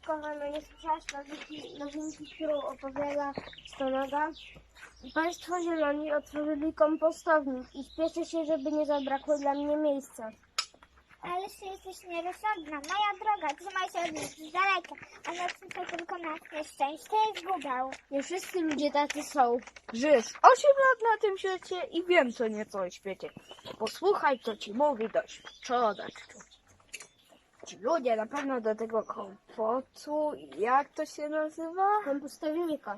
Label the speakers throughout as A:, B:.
A: kochana, nie słyszałaś nowinki, którą opowiada Stonoga? Państwo zieloni otworzyli kompostownik i śpieszę się, żeby nie zabrakło dla mnie miejsca.
B: Ale ty jesteś nierozsądna. Moja droga, trzymaj się od nich z daleka, a naczynka tylko na nieszczęście i zgubę.
A: Nie wszyscy ludzie tacy są.
C: Żyjesz 8 lat na tym świecie i wiem co nieco o świecie. Posłuchaj, co ci mówi doświadczona czuć. Ci ludzie na pewno do tego kompotu, jak to się nazywa?
A: Kompostownika.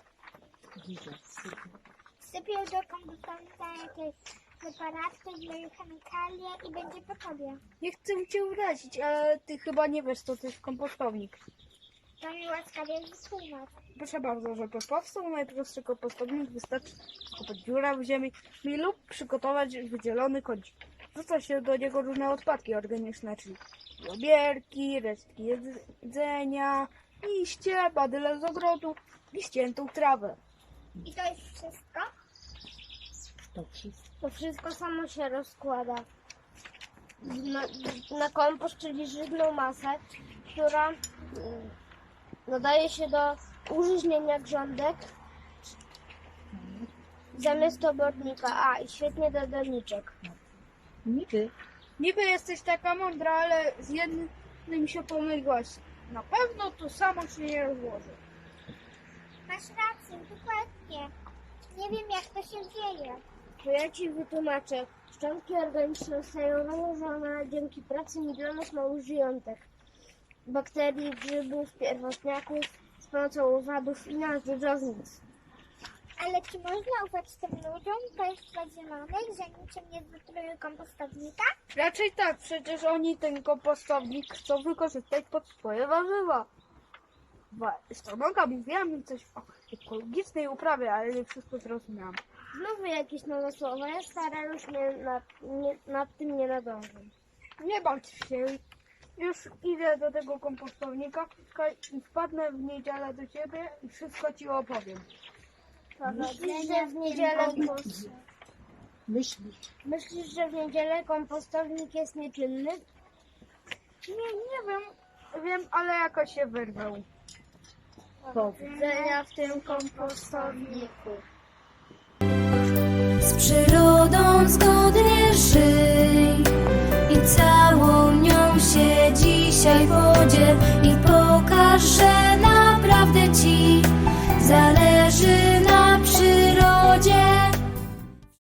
B: Sypię do kompostownika jakieś preparatki, chemikalie i będzie po tobie.
C: Nie chcę cię urazić, ale ty chyba nie wiesz, co to jest kompostownik.
B: To mi łaskawie wytłumacz.
C: Proszę bardzo, żeby powstał najprostszy kompostownik, wystarczy kopać dziurę w ziemi lub przygotować wydzielony kącik. Wrzuca się do niego różne odpadki organiczne, czyli obierki, resztki jedzenia, liście, badyle z ogrodu i ściętą trawę.
B: I to jest wszystko?
A: To wszystko samo się rozkłada na kompost, czyli żywną masę, która nadaje się do użyźnienia grządek zamiast obornika. I świetnie do doniczek.
C: Niby jesteś taka mądra, ale z jednym się pomyliłaś. Na pewno to samo się nie rozłoży.
B: Masz rację, dokładnie. Nie wiem, jak to się dzieje.
A: To ja ci wytłumaczę. Szczątki organiczne zostają nałożone dzięki pracy milionów małych żyjątek. Bakterii, grzybów, pierwotniaków z pomocą owadów i narzędziownic.
B: Ale czy można ufać tym ludziom państwa zielonych, że niczym nie wytrują kompostownika?
C: Raczej tak, przecież oni ten kompostownik chcą wykorzystać pod swoje warzywa. Stonoga mówiła mi coś o ekologicznej uprawie, ale nie wszystko zrozumiałam.
A: Znowu jakieś nowe słowa. Ja stara już nad tym nie nadążę.
C: Nie bądź się. Już idę do tego kompostownika i wpadnę w niedzielę do ciebie i wszystko ci opowiem.
A: Myślisz, że w niedzielę Myślisz, że w niedzielę kompostownik jest nieczynny?
C: Nie wiem, ale jakoś się wyrwał.
A: Powodzenia w tym kompostowniku.
D: Z przyrodą zgodnie żyj i całą nią się dzisiaj podziel i pokaż, że